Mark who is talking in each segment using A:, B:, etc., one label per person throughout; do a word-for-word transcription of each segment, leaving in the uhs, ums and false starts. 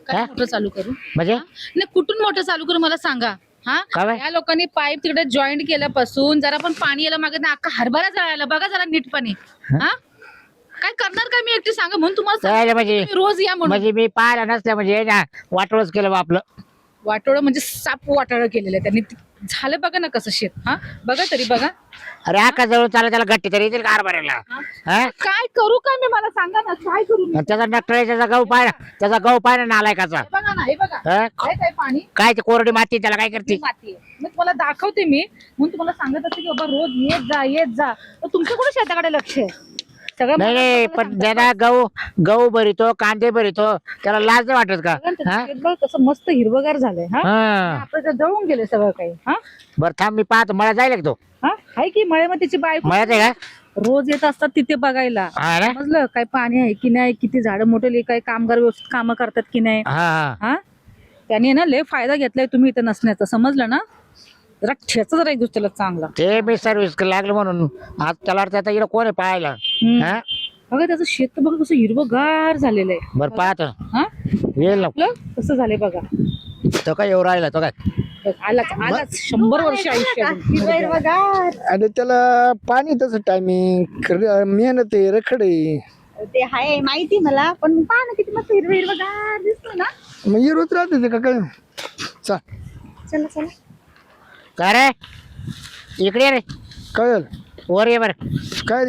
A: काय
B: हा?
A: मोटर चालू करू
B: म्हणजे
A: हा? नाही कुठून मोटर चालू करू मला सांगा हा
B: काय बाई?
A: या लोकांनी पाईप तिकडे जॉईंट केल्यापासून जरा पण पाणी यायला मागे अख्खा हरभरा जळायला बघा जरा नीटपणे हा काय करणार काय मी एकटी सांगा म्हणून तुम्हाला
B: काय
A: सांगते,
B: म्हणजे
A: तुम्ही रोज या म्हणून
B: म्हणजे मी पाहिला नसल्या म्हणजे ना वाटोळच केलं बा आपलं.
A: वाटोळं म्हणजे साप वाटोळं केलेलं आहे त्यांनी झालं बघा ना कसं शेत हा बघा तरी बघा
B: अरे आका जवळ चालला त्याला गट्टी तरी येतील कार भरायला. हा?
A: काय करू काय मी मला सांगा ना काय करू मी?
B: आणि त्याचा डॉक्टर त्याचा गहू पाहिला त्याचा गहू पाहिला नालायकाचा.
A: हे बघा ना हे बघा
B: हा?
A: आहे काय पाणी
B: काय ते कोरडी माती त्याला काय करते?
A: माती आहे मी तुम्हाला दाखवते मी म्हणून तुम्हाला सांगत असते की बाबा रोज येत जा येत जा तर तुमचं कुठं शेताकडे लक्ष आहे सगळं
B: नाही
A: मला
B: नाही
A: तुम्हाला
B: पण
A: सांगतात.
B: ज्याला गहू गहू भरितो कांदे भरितो त्याला लाज नाही वाटत का?
A: बघा ना,
B: हा?
A: त्याचं शेत बघ कसं मस्त हिरवगार झालंय हा
B: हा
A: आपलं तर जळून गेले सगळं काही हा
B: बरं थांब मी पाहतो मला जायला का तो
A: हा आहे की मळे मग त्याची बायको
B: मला ते का
A: रोज येत असतात तिथे बघायला
B: हा ना?
A: समजलं काय पाणी आहे की नाही किती झाडं मोठे काय कामगार व्यवस्थित कामं करतात की नाही
B: हा हा
A: हा त्याने ना लय फायदा घेतलाय तुम्ही इथं नसण्याचा समजलं ना जरा ठेचा जरा एक दुसऱ्याला चांगला
B: ते मी सर्व्हिस लागलं म्हणून आज त्याला वाटतं आता इकडं कोण आहे पाहायला.
A: हम्म.
B: हा
A: बघा त्याचं शेत तर बघा कसं हिरवगार झालेलं आहे
B: बरं पाहतो
A: हा
B: येईल ना
A: आपलं कसं झालंय बघा
B: तो काय येऊ राहिला तो काय
A: बघ, आलाच आलाच शंभर वर्ष आयुष्य अजून.
C: आणि त्याला पाणी तसं टायमिंग मेहनत आहे रखड आहे.
D: ते हाय माहिती मला पण पहा ना किती मस्त हिरवं हिरवं गार दिसतो ना.
C: मग ये रोज राहते ते का काय चा
D: चला चला
B: काय रे इकडे ये रे
C: काय झालं
B: वर ये बरं.
C: काय रे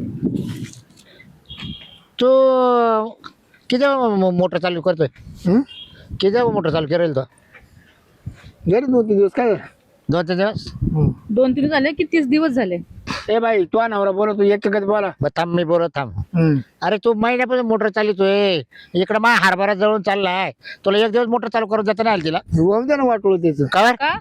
B: तू किती मोटर चालू करतोय
C: हं?
B: किती मोटर चालू करेल तो
C: घरी दोन तीन दिवस काय झालं?
B: दोन तीन दिवस
C: हं.
A: दोन तीन झाले की तीस दिवस झाले
C: ए बाई तू नवरा बोलतो एक कधी बोला
B: बरं थांब मी बोलत थांब.
C: हं.
B: अरे तू महिन्यापासून मोटर चालितोय इकडं मा हरभरा जळून चाललाय तुला एक दिवस मोटर चालू करून देता नाही आलं तिला
C: होऊन द्या ना वाटोळ त्याचं
B: कवर
A: का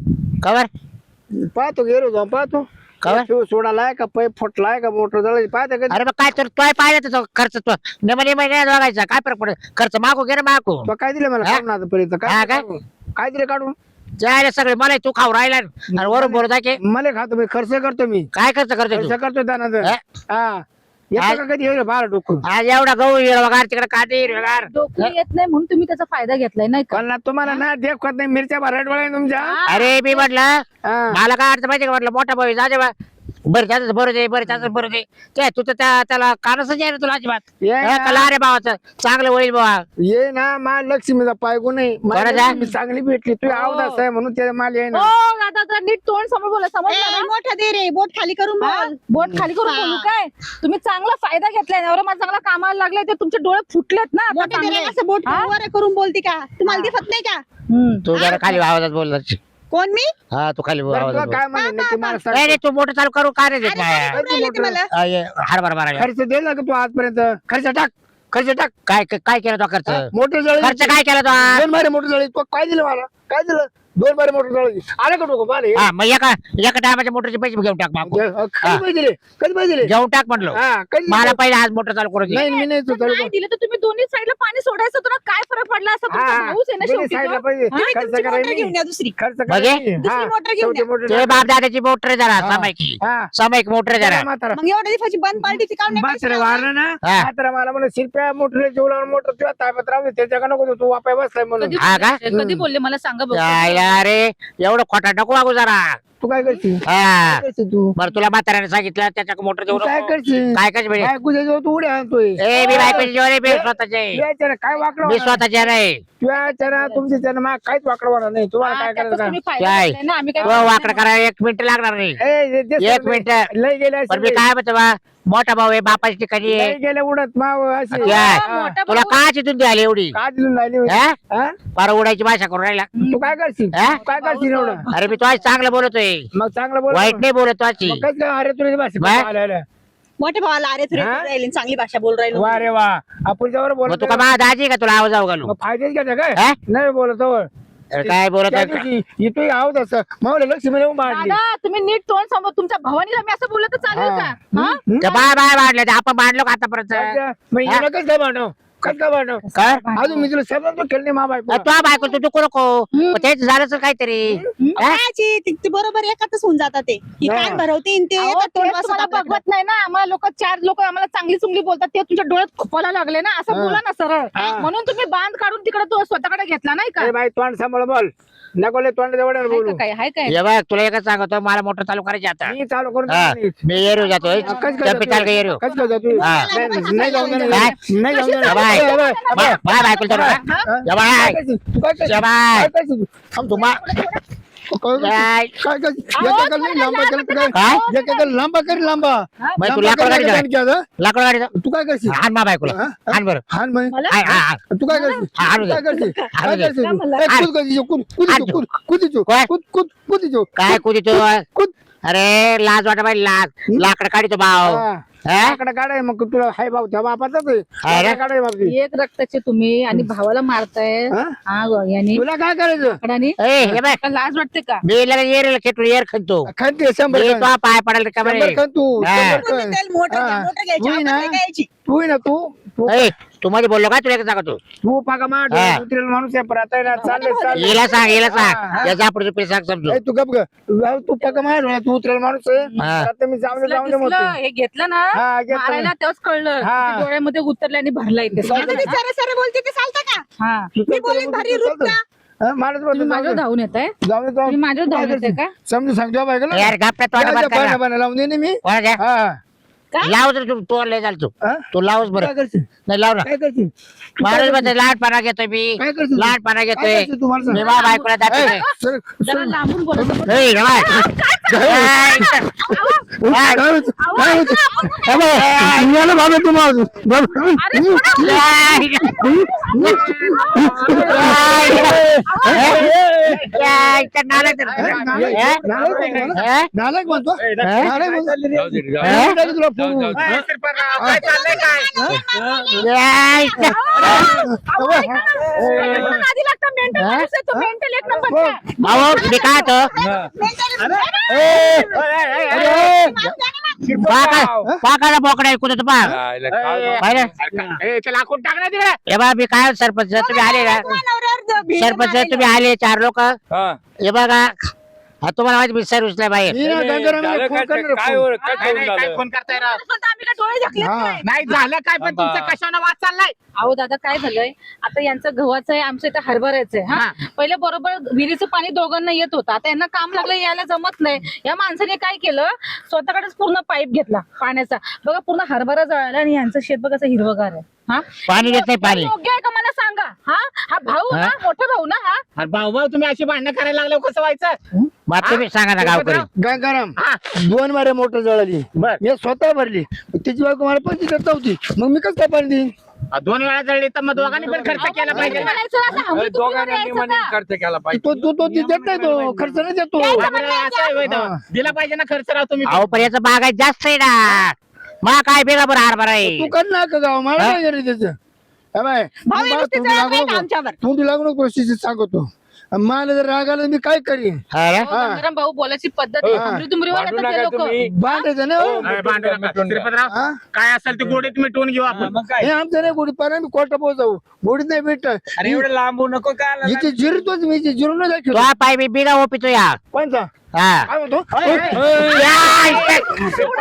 B: कवर
C: पाहतो गेलो जाऊन पाहतो
B: काय?
C: शिव सोडालाय का पैप फुटलाय का मोटर जळाली पाहता कधी
B: अरे मग काय तर तो पाहिजे त्याचा खर्च तो नेमणे महिन्यात बघायचा काय फरक पडेल खर्च मागू घे रे मागू
C: तो काय दिलं मला
B: हा?
C: काढून आतापर्यंत
B: हा
C: काय
B: का?
C: काढून? काय दिलं काढून
B: जायला सगळे मला तू खाऊ राहिला आणि वरून बोलत आहे की
C: मला खातो मी खर्च करतो मी
B: काय खर्च करतोय
C: खर्च
B: तू
C: करतो दानाचं
B: हा?
C: हा येतो का कधी येईल बारा डोकं
B: आज एवढा गहू हिरवगार तिकडे कांदे हिरवगार
A: डोकं येत नाही म्हणून तुम्ही त्याचा फायदा घेतलाय नाही का
C: पण ना तुम्हाला ना देखत नाही मिरच्या भराट डोळ्या तुमच्या
B: अरे मी म्हटलं
C: हा.
B: मला काय अर्थ माहिती का म्हटलं मोठा भाऊ जा दे बा बरं त्याच बरं दे बरं त्याच बरं दे काय तू तर त्या त्याला कानच आहे ना तुला अजिबात
C: ये
B: हा,
C: ना.
B: कला रे भावाचं चांगलं होईल बाबा
C: ये ना मा लक्ष्मीचा पायगो नाही मला
B: बरं जा.
C: लक्ष्मी चांगली भेटली तू आवदास आहे म्हणून ते माल आहे ना
A: हो दादा जरा नीट तोंड समोर बोला
D: ए,
A: समजलं ना
D: मोठा दे रे बोट खाली करून
A: हा?
D: बोल.
A: बोट खाली करून बोलू काय तुम्ही चांगला फायदा घेतलाय नवरा माझा चांगला कामाला लागलाय ते तुमचे डोळे फुटलेत ना आता
D: मोठे दे
A: चांगले.
D: रे असं बोट
A: हा?
D: वर करून बोलते का तुम्हाला दिसत नाही का
A: हम्म.
B: तू जरा खाली आवाजात बोल जरा.
D: कोण मी
B: हा तू खाली
C: बरं,
B: आवाजात
C: तुला
B: बोल
C: काय म्हणे नक्की मला सांग.
B: नाही रे तू मोठं चालू करू काय रे देत
D: अरे,
B: नाही
D: काय बोलून राहिले ते मला
B: आ, ये, हरभरा मारायला
C: खर्च दिला का तू आजपर्यंत खर्च टाक खर्च टाक
B: काय काय केलं तो खर्च
C: मोटर जळली
B: खर्च काय केला तो
C: दोन बारे मोटर जळली तू काय दिलं मला काय दिलं दोन बारे मोटर जळली आलं का डोकं मला हे?
B: हा मग एका एका टायमाच्या मोटरचे पैसे घेऊन टाक मागून.
C: अ, कधी पैसे दिले कधी पैसे दिले
B: घेऊन टाक म्हटलं
C: हा कधी दिले?
B: मला पहिले आज मोटर चालू करू दे.
C: नाही मी नाही तू
A: जर
C: चालू
A: नाही दिलं तर तुम्ही दोन्ही साईडला पाणी सोडायचं तुला काय फरक पडला असं तुमचा भाऊच आहे ना शेवटी
C: साईडला
A: तो.
C: पाहिजे
A: हा?
C: खर्च
D: तुमची मोटर
C: करायला
D: घेऊन या दुसरी
C: खर्च
B: म्हणजे?
C: करायला
D: दुसरी मोटर घेऊन
C: शेवटी
D: या.
C: मोटर
B: ते बाप दादाची मोटर जरा
C: हा.
B: सामायिकी
C: हा
B: सामायिक मोटर जरा
C: म्हातारा
D: मग एवढ्या दिवसाची बंद पार्टीची काम नाही
C: म्हातारा
D: करायची
C: वारलं ना
B: हा.
C: म्हातारा मला म्हणून शिरप्या मोटर जेवढा मोटर तुझ्या ताब्यात राहू दे त्याच्या नको तू वापाय बसलाय म्हणून
A: कधी
B: हा का?
A: बोलले? कधी बोलले मला सांगा बघू.
B: यायला रे एवढं खोटा नको वागू जरा
C: तू काय करशील
B: हा
C: काय करशील तू
B: बरं तुला म्हाताऱ्याने सांगितलं त्याच्या मोटर
C: तू
B: देऊ
C: काय
B: नको.
C: करशील
B: काय काय म्हणजे
C: काय तुझ्या जवळ तू उड्या आणतोय
B: ए मी बायकोची जेवण आहे, मी स्वतःचे
C: तुझ्या काय वाकडं
B: मी
C: होणार?
B: स्वतःचे नाही
C: तुझ्या चरा तुमच्या चरा माग काहीच वाकडं होणार नाही तुम्हाला
A: हा,
C: काय
A: त्यातच
C: करायचं
A: तुम्ही फायदा
B: काय?
A: घेतलाय ना, आम्ही काय
B: तो
A: बोललो
B: वाकड
A: नाही.
B: करायला एक मिनिट लागणार नाही
C: ए, जे- जे
B: एक
C: सगळे
B: मिनिट
C: लय गेले
B: पण मी
C: असेल.
B: काय म्हणतो बा मोठा भाऊ आहे बापाची ठिकाणी
C: लय
B: आहे
C: गेले उडत माव असे
B: काय?
C: हा.
A: मोठा
B: तुला
A: भाऊ-
B: काची तुमची आली एवढी
C: का दिलं राहिली होती?
B: हा?
C: हा?
B: पार उडायची भाषा करून राहिला
C: तू काय करशील
B: हा?
C: तू काय करशील एवढं
B: अरे मी तो आज चांगलं बोलतोय
C: मग चांगलं बोल
B: वाईट नाही बोलत तो आजची.
C: मग काय काय अरे तुला भाषा
B: बाय.
C: आल्या आल्या.
D: मोठ्या भावाला अरे तुरे
C: हा?
D: राहिले चांगली भाषा बोल राहिलो
C: वा रे वा आपण जवळ
B: मग
C: बोलतो
B: तू का माझा दाजी आहे का तुला आवाज आव घालू
C: मग फायदेच घ्यायचा काय
B: हा?
C: नाही बोलत जवळ
B: अरे काय बोलत
C: त्या
B: आहे का?
C: दिवशी इथं आहोत असं मावलं लक्ष्मी येऊन मांडली
A: दादा तुम्ही नीट तोंड समोर तुमच्या भावानीला मी असं बोललं तर चालेल
C: हा.
A: का हा?
B: ते बाय बाय वाढले ते आपण मांडलो का आतापर्यंत
C: मग हिला कसं काय मांडव कस काय वाटलं
B: काय
C: अजून मी तुला शब्दात पण खेळणे मा बायको
B: तू बायको तू नको नको मग तेच झालं असेल काहीतरी हा?
D: कायची ते- ते बरोबर एकातच होऊन जातात ते की
C: हा.
D: कान भरवते आणि ते
A: अहो,
D: येतात तोंड
A: तेच
D: बसत
A: तुम्हाला
D: आपल्याकडे.
A: बघवत नाही ना आम्हाला लोक चार लोक आम्हाला चांगली चुंगली बोलतात ते तुमच्या डोळ्यात खोपायला लागले ना असं
C: हा.
A: बोला ना सरळ
C: हा.
A: म्हणून तुम्ही बांध काढून तिकडे तो स्वतःकडे घेतला नाही का
C: ए बाई तोंड सांभाळ बोल नको लय तोंड जवळ
A: हाय
C: बोलू
A: का काय हाय काय
B: ये बघ तुला एकच सांगतो मला मोटर चालू करायची आता
C: मी चालू करून
B: हा,
C: देतो.
B: मी एरियो जातोय
C: कस काय
B: चंपी चाल का एरियो
C: कस काय जातो
B: हा.
C: नाही नाही जाऊन देणार.
B: काय?
C: नाही जाऊन देणार.
B: बाय.
C: ए, बाय.
B: बाय बाय बायको तर
C: हा?
B: या बाय
C: काय करशील? तू काय करशील?
B: या बाय
C: काय करशील? थांब तू.
B: तुम्हा
C: काय करशील?
B: काय?
C: काय करशील? एकेकाला नाही लांबा केलं तर काय?
B: काय
C: एकेकाला लांबा कर लांबा
B: मग तू
C: लांबा
B: लाकड
C: कर,
B: गाडी
C: लांबा
B: जा.
C: कर, हा?
B: लाकड गाडी
C: तू काय करशील
B: हान मा बायकोला
C: हा?
B: हान बरं
C: हान म्हणे.
A: मला
B: हाय, हाय, हाय.
C: तू काय करशील
B: हा, हाणू
C: तू काय
B: दे.
C: करशील
B: हाणू
C: काय
B: दे.
C: करशील
A: मला.
C: ए, कूद कधी कूद कूद
B: हाणू.
C: कूद कूद
B: काय?
C: कूद कूद कूद
B: काय कुदी तो
C: कूद
B: अरे लाज वाटा बाई लाज लाकड काढतो भाव
C: हा.
B: हा?
C: लाकडं काढाय मग तुला हाय भाऊ त्या बापाचाच आहे
B: हाय रे.
C: लाकडं काढाय बापती
A: एक रक्ताचे तुम्ही आणि भावाला मारताय
C: हा?
A: हा गो, यांनी
C: तुला काय करायचं
A: लाकडाने.
B: ए हे बाय
A: का लाज वाटते का
B: मी लगेच एरियाला खेटून एअर खणतो
C: खाते शंभर
B: मी
C: खण.
B: तो पाय पडायला का
C: शंभर
B: बरे
C: खण तू
B: हा.
C: शंभर
D: तुम्ही
C: खण.
D: त्याला मोटर घ्या,
C: हा.
D: मोटर घ्यायची,
C: तू ही ना
D: आपण काय घ्यायची?
C: तू ही ना तू तू
B: ए तू मध्ये बोललो का तुला एक सांगतो
C: तू पाका मार
B: हा.
C: उतरेल माणूस आहे पण आता आहे ना चालले चालले
B: हिला सांग हिला
C: हा,
B: सांग
C: हा.
B: याचा पुढे पुढे सांग समजू
C: ए, तू गप ग जाऊ, तू पाका मार ना, तू उतरेल माणूस आहे
B: हा.
C: आता मी जाऊन दे
A: दिसलं,
C: जाऊन दे
A: दिसलं.
C: म्हणतो
A: हे घेतलं ना
C: हा, घेतलं.
A: मारायला तेव्हाच कळलं
C: हा.
A: किती डोळ्यामध्ये उतरले आणि भरला इथे
D: आता ते सरे सरे बोलते ते चालतं का
A: हा
D: मी बोलेन भारी रूप का
C: हा, मारच
A: तुम्ही
C: बोलतो,
A: माझ्यावर
C: जाऊ दे.
A: धावून येत आहे
C: जाऊ दे, जाऊ
A: तुम्ही माझ्यावर धावून येते का
C: समजून सांगतो बायकोला
B: यार गप्पा तोंड
C: या,
B: बंद
C: या,
B: कर
C: पाण्या- पाण्या लावून दे ना मी
B: कोणाच्या
C: हा
B: लाव तर तू तो लय झाल तू
C: हा?
B: तू लावच
C: काय
B: बरं
C: करशील
B: नाही लाव ना
C: काय करशील तू काय
B: महाराज
C: करशील?
B: मध्ये लहानपणा घेतोय मी
C: काय करशील तू?
B: लहानपणा
C: काय
B: घेतोय
C: करशील तू मला सांग?
B: मी मा बायकोला
C: ए,
B: दाखवतोय
C: सर,
A: जरा
C: सर.
A: लांबून बोलत
B: ए, रे बाय.
C: काय
B: ए,
C: काय होतं? काय होतं? ए, बाबा, निघालं बाबा तू माझं. बाबा.
B: या, इथं नाला तर.
C: ए, नालायक-
B: ए?
C: नालायक आहे ना?
B: ए?
C: नालायक म्हणतो
B: ए?
C: नालायक म्हणतो.
B: ए?
C: मी टाकेल तुला फोन.
B: या, इथं.
A: आधी लागतं मेंटल माणूस आहे तो मेंटल एक नंबर
B: भाऊ मी काय होतो पाकाला बोकडा कुठं पाक पाहिलं
C: लाकूड टाक ना तिकडे
B: हे बा मी काय सरपंच तुम्ही आले ना सरपंच तुम्ही आले चार लोक हे बघा हा तुम्हाला माहिती मी सर्व्हिसला बाहेर
C: मी ना गंगारामला फोन करणार
E: काय
C: फोन.
E: वर- काय ठेवून झालं?
C: फोन करताय राव.
A: आम्ही काय डोळे झाकले
C: हा.
E: नाही झालं काय पण तुमचं कशानं वाद चाललाय
A: अहो दादा काय झालंय आता यांचं गव्हाचं आहे आमचं इथं हरभऱ्याचं आहे हा पहिले बरोबर विहिरीचं पाणी दोघांना येत होतं आता यांना काम लागलं यायला जमत नाही या माणसाने काय केलं स्वतःकडेच पूर्ण पाईप घेतला पाण्याचा बघा पूर्ण हरभरा जळाला आणि यांचं शेत बघा असं हिरवगार आहे हा
B: पाणी देत नाही पाणी
A: योग्य आहे का मला सांगा हा हा भाऊ ना मोठा भाऊ ना हा
E: अरे भाऊ भाऊ तुम्ही अशी भांडणं करायला लागलं कसं व्हायचं
B: मग तुम्ही सांगा ना गावकरी
C: गंगाराम दोन मारे मोटर जळाली
E: बर.
C: मी स्वतः भरली त्याची बायको मला पैसे देत होती मग मी कसं काय पाणी देईन
E: दोन वेळा जळली तर मग दोघांनी पण खर्च केला पाहिजे ना.
A: म्हणायचं असं हमी तुम्ही घेऊन यायचं का?
E: खर्च केला
C: तो तो तो ती देत नाही तो खर्च नाही देतो
E: बरं, असं आहे होय तेव्हा.
C: हा.
E: दिला पाहिजे ना खर्च राव तुम्ही
B: अहो पण याचं बागायत जास्त आहे ना मग काय बेगा बरं हरभरा
C: तू
B: आहे
C: कर ना का गाव मला
B: हा?
C: काय गरज त्याचं हे बाय,
D: भाऊ,
C: तू
D: हे
C: बा-
D: नुसते
C: तोंडी
D: जळत
C: लागू
D: नाही का
C: नको.
D: आमच्यावर?
C: तोंडी लागू नको परिस्थिती सांगतो मला जर राग आला मी काय करीन
B: हा रे?
A: अहो, गंगाराम भाऊ बोलायची पद्धत
E: हो.
A: हमरी तुमरीवर
E: भांडू
A: येतात ते
E: नका
A: लोक
E: तुम्ही.
C: बांधायचं ना हो.
E: नाही, भांडू नका. श्रीपतराव,
C: हा?
E: काय असेल ते गोडीत मिटवून घेऊ आपण
C: हे आमचं नाही गोडी पारा मी कोर्टा पोहोचाऊ गोडीत नाही भेट
E: अरे एवढं लांबू नको काय
C: इथे जिरतोच मी इथे जिरून नाही
B: तो
C: दाखवतो
B: हा पाय बी बिगा ओपितो या
C: कोणता
B: हा
C: काय म्हणतो
B: या, इथं.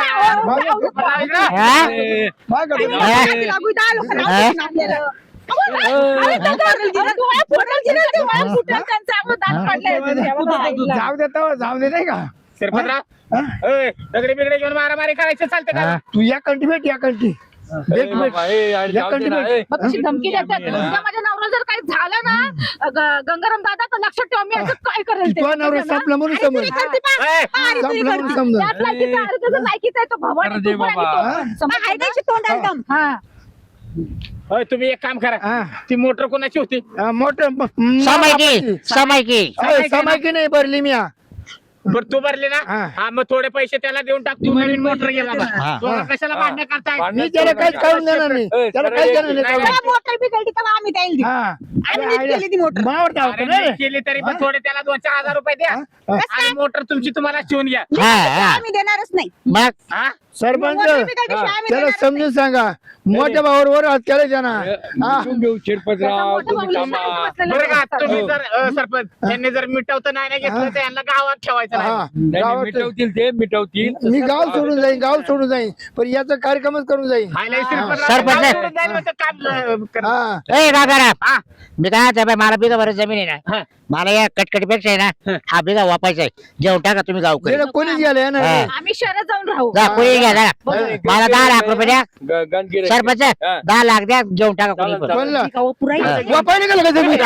B: हा?
C: मागं बघ.
B: हा?
D: लागू दहा लोकांना
B: हा?
D: आवडत नाही आपल्याला.
A: अरे, डोळ्यात फुटलं की नाही? डोळ्यात फुटलं त्यांचं आम्ही दात काढलंय.
C: जाऊ देता जाऊ दे नाही का
E: श्रीपतराव
C: हा?
E: ए, दगडी बिगडे घेऊन मारामारी करायचं चालतं का
B: हा?
C: तू या कंटी भेट या कंटी भेट भेट या कंटी भेट
A: मग कशी धमकी देतात उद्या माझ्या नवरा जर काही झालं ना ग- गंगाराम दादा तर लक्षात ठेवा मी असं काय करेल ते
C: तुझा नवरा संपला म्हणून समज
E: ए,
C: संपला म्हणून समज
A: त्यात लायकीचा आहे, त्याचा लायकीचा आहे तो भवानी
E: अरे
A: तुकडा
E: बाबा.
A: आणि तो.
C: हा?
A: समजलं
D: हाय
A: ना?
D: त्याची तोंडाला दम.
A: हा
E: होय, तुम्ही एक काम करा
C: हा.
E: ती मोटर कोणाची होती
C: मोठं
B: समायकी समायकी
C: समायकी नाही भरली मी हा.
E: बरं तू भरले ना
C: हा.
E: हा मग थोडे पैसे त्याला देऊन टाक तू नवीन मोटर घे बाबा
B: हा.
E: दोघं कशाला भांडणं करताय
C: मी त्याला काहीच काढून देणार नाही त्याला काहीच देणार नाही काढून.
D: तेव्हा मोटर बिघडली तेव्हा आम्ही त्याला दिली.
C: हा
D: आम्ही नीट केली ती मोटर.
C: मावर
E: अरे
C: धावतो ना
E: नीट
C: रे.
E: केली तरी पण थोडे त्याला दोन चार हजार रुपये द्या
C: हा?
E: आणि मोटर तुमची तुम्हाला शिवून घ्या
B: हा हा
D: आम्ही देणारच नाही
B: मग
E: हा
C: सरपंच
D: मोटर बिगर कशी आम्ही
C: त्याला
D: देणार
C: समजून सांगा मोठ्या भावावर हात केला त्यांना हा.
F: मिटून घेऊ शिरपतराव तुम्ही थांबा.
E: बरं का तुम्ही जर अ, सरपंच यांनी जर मिटवतं नाही ना घेतलं तर यांना गावात ठेवायचं नाही.
C: हा
F: नाही, नाही,
C: गावात
F: मिटवतील ते मिटवतील
C: मी गाव सोडून जाईन गाव सोडून जाईन पण याचा कार्यक्रमच करून जाईन
E: हाय, लय शिरपतराव
B: सरपंच.
E: गाव सोडून जाईल म्हणतं काम अ, कर-
C: हा
B: ए गागाराम
E: हा.
B: मी काय म्हणतो बाई, मला बिगा बरं जमीन आहे
E: हा.
B: ना मला या कटकटीपेक्षा आहे ना हा बिगा वापायचा आहे जेवण टाका तुम्ही गावकरी
C: तिकडे कोणीच गेलं ना
B: हा.
A: आम्ही शहरात जाऊन राहू
B: जा कोणी घ्या जा मला दहा लाख रुपये द्या
F: ग- गणगिरे.
B: सरपंच
F: हा.
B: दहा लाख द्या जेवण टाका कोणी
F: चालेल,
B: पण.
F: चालेल.
C: कोणला
D: गाव पुराई
C: वापायला गेलं का जमीन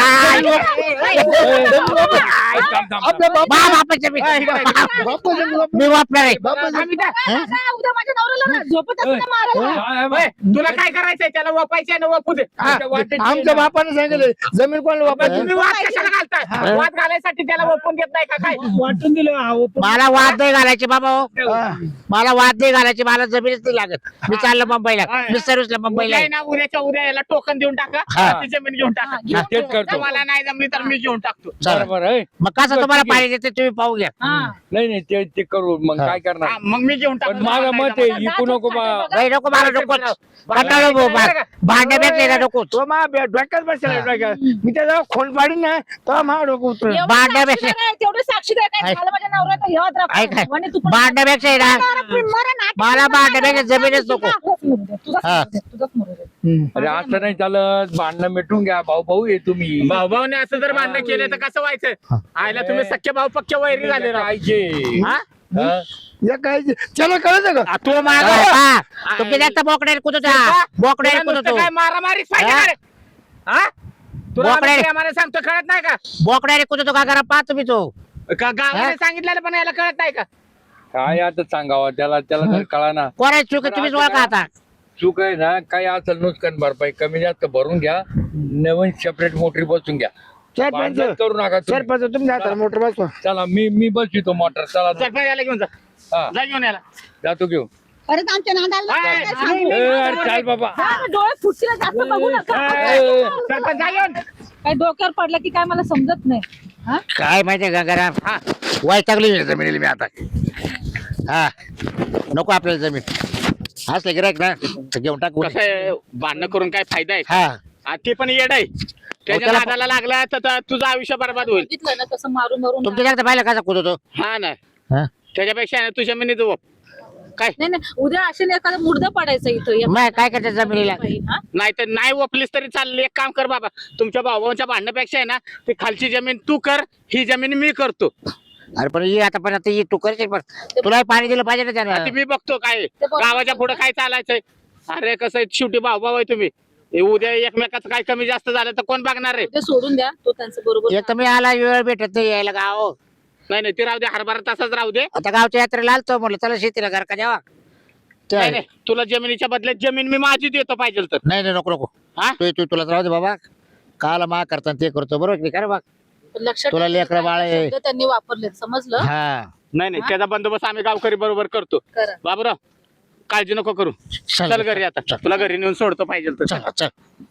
F: थांब, थांब,
C: आपल्या
F: थांब.
B: मा बापाची जमीन.
C: बापा जमीन वाप-
B: मी वापणार आहे
C: बापा जमीन-
E: आम्ही त्या-
A: काय, काय, उद्या माझ्या नवऱ्याला ना झोपत असताना मारायला.
F: काय
E: ओय,
F: बाई?
E: तुला काय करायचंय त्याला वापायचंय ना वापू दे.
F: आमच्या वाटेत ये
C: आमच्या
F: ना.
C: बापाने सांगितलं जमीन कोणाला
E: पण
C: वापायची
E: तुम्ही वाद कशाला घालताय वाद घालायसाठी त्याला वापरून देत नाही का काय
C: वाटून दिलं
B: मला वाद नाही घालायचे बाबा हो.
C: हा.
B: मला वाद नाही घालायचे मला जमीनच नाही लागत मी चाललो मुंबईला मी सर्विसला मुंबईला
E: उद्या
B: आहे.
E: आहे ना उद्याच्या उद्या याला टोकन देऊन टाका
B: हा.
E: ती जमीन घेऊन टाका
B: हा,
F: तेच करतो
E: मला नाही जमली तर मी घेऊन टाकतो
B: चला.
F: बरोबर आहे
B: मग कसं तुम्हाला पाणी देते तुम्ही पाहू घ्या
A: हा.
F: नाही नाही ते ते करू मग
B: हा.
F: काय करणार
E: हा, मग मी घेऊन
F: पण
E: टाकतो
F: माझं
E: मला
F: मत
E: नाही
F: आहे इकू नको बा
B: नाही नको मला नको कंटाळलो भाऊ, भा- भांड्या भेटले नको
C: तो मा डोक्यात बसला डोक्यात मी त्याचा खोल पाडीन ना तो मा डोकं उतर
A: एवढं
B: भांड्या
A: साक्षीदार
B: पेक्षा-
A: आहे, तेवढे साक्षीदार काय
B: ऐक.
A: झालं माझ्या नवऱ्याचं हे वाद राखा.
B: ऐक
A: म्हणे तू पण-
B: भांड्यापेक्षा आहे ना मला भांड्यापेक्षा जमीनच नको
A: तुझाच मरू दे, तुझाच
B: हा.
A: मरू दे, तुझाच मरू दे.
F: अरे असं नाही चालत भांडणं मिटून घ्या भाऊ भाऊ आहे तुम्ही
E: भाऊ भाऊने असं जर भांडण केलं तर कसं व्हायचं आयला तुम्ही सख्खे भाऊ पक्के वैरी झाले राव.
F: पाहिजे
E: हा?
F: हा?
C: या काय त्याला कळत का
E: आ, तू माग
B: तुमच्या जास्त बोकड्याने कुदतो बोकड्याने कुदतो
E: काय मारामारीच पाहिजे
B: हा?
E: का रे? हा तुला
B: बोकड्या-
E: आम्ही प्रेमाने सांगतो कळत नाही का
B: बोकड्याने कुदतो का करा पाहा तुम्ही तो
E: का गावाने सांगितलेलं पण याला कळत नाही का
F: काय आता सांगावं त्याला त्याला तर कळा ना
B: कोणाची चूक आहे तुम्हीच ओळखा आता
F: चूक आहे ना काय असेल नुकसान भरपाई कमी जास्त भरून घ्या नवीन सेपरेट मोटरी बसून घ्या
C: सरपंच
F: भांडण करू नका तुम्ही.
C: सरपंच तुमच्या हाताला मोटर बसवा
F: चला मी मी बसतो मोटर चला
E: सरपंच याला घेऊन जा
F: हा
E: जा घेऊन याला
F: जातो घेऊन
D: परत आमच्या नादाला
E: हाय,
D: लागलं काय सांगू?
F: ए, अरे चाल बाबा
A: हा, डोळे फुटतील जास्त बघू नका
F: ए,
E: सरपंच जा घेऊन
A: काय डोक्यावर पडलं की काय मला समजत नाही हा?
B: काय माहितीये गंगाराम
E: हा.
B: वैतागली जमिनीला मी आता हा नको आपल्याला जमीन असले गिरायक ना तर घेऊन टाकू
E: कसं आहे, भांडणं करून काय फायदा आहे
B: हा
E: हा, ते पण येड आहे त्याच्या
B: त्याला-
E: नादाला लागला तर तर तुझं आयुष्य बरबाद होईल
A: बघितलं ना कसं मारून मारून
B: तुमच्या जास्त पाहिलं कसा कुदतो
E: हा ना
B: हा?
E: त्याच्यापेक्षा आहे ना तुझ्या मिनी जवळ काय
A: नाही नाही उद्या असे एखादं मुर्द पडायचं इथं या
B: मग काय करते जमिनीला
A: हा?
E: नाही तर नाही ओपलीस तरी चाललं एक काम कर बाबा तुमच्या भावांच्या भांडण्यापेक्षा आहे ना ती खालची जमीन तू कर ही जमीन मी करतो
B: अरे पण ही आता पण आता ही तू करशील पण तुला पाणी दिलं पाहिजे ना
E: आता
B: त्यानं
E: मी बघतो काय
A: बरोबर.
E: गावाच्या पुढे काय चालायचंय अरे कसं आहे, शेवटी भाऊ भाऊ आहे तुम्ही हे उद्या एकमेकाचं काय कमी जास्त झालं तर कोण बघणार आहे
A: ते सोडून द्या तो त्यांचं बरोबर
B: एक तर मी आला वेळ भेटत नाही यायला गाव
E: नाही नाही ते राहू दे हरभरा तसाच राहू दे
B: आता गावच्या यात्रेला आलतो म्हटलं चला शेतीला घर का द्यावा ते
E: नाही नाही तुला जमिनीच्या बदल्यात जमीन मी माझी देतो पाहिजे तर
B: नाही नाही नको नको
E: हा
B: तू तू तुला राहू दे बाबा काला मा करता ते करतो बरोबर की काय रे बा
A: लक्षात
B: तुला
A: ठेवा,
B: लेकरं
A: काय
B: बाळ आहे.
A: शब्द त्यांनी वापरले समजलं
B: हा
E: नाही नाही त्याचा बंदोबस्त आम्ही गावकरी बरोबर करतो
A: करा
E: बाबूराव काळजी नको करू
B: चल
E: चल घरी आता तुला घरी नेऊन सोडतो पाहिजे तर
B: चल चल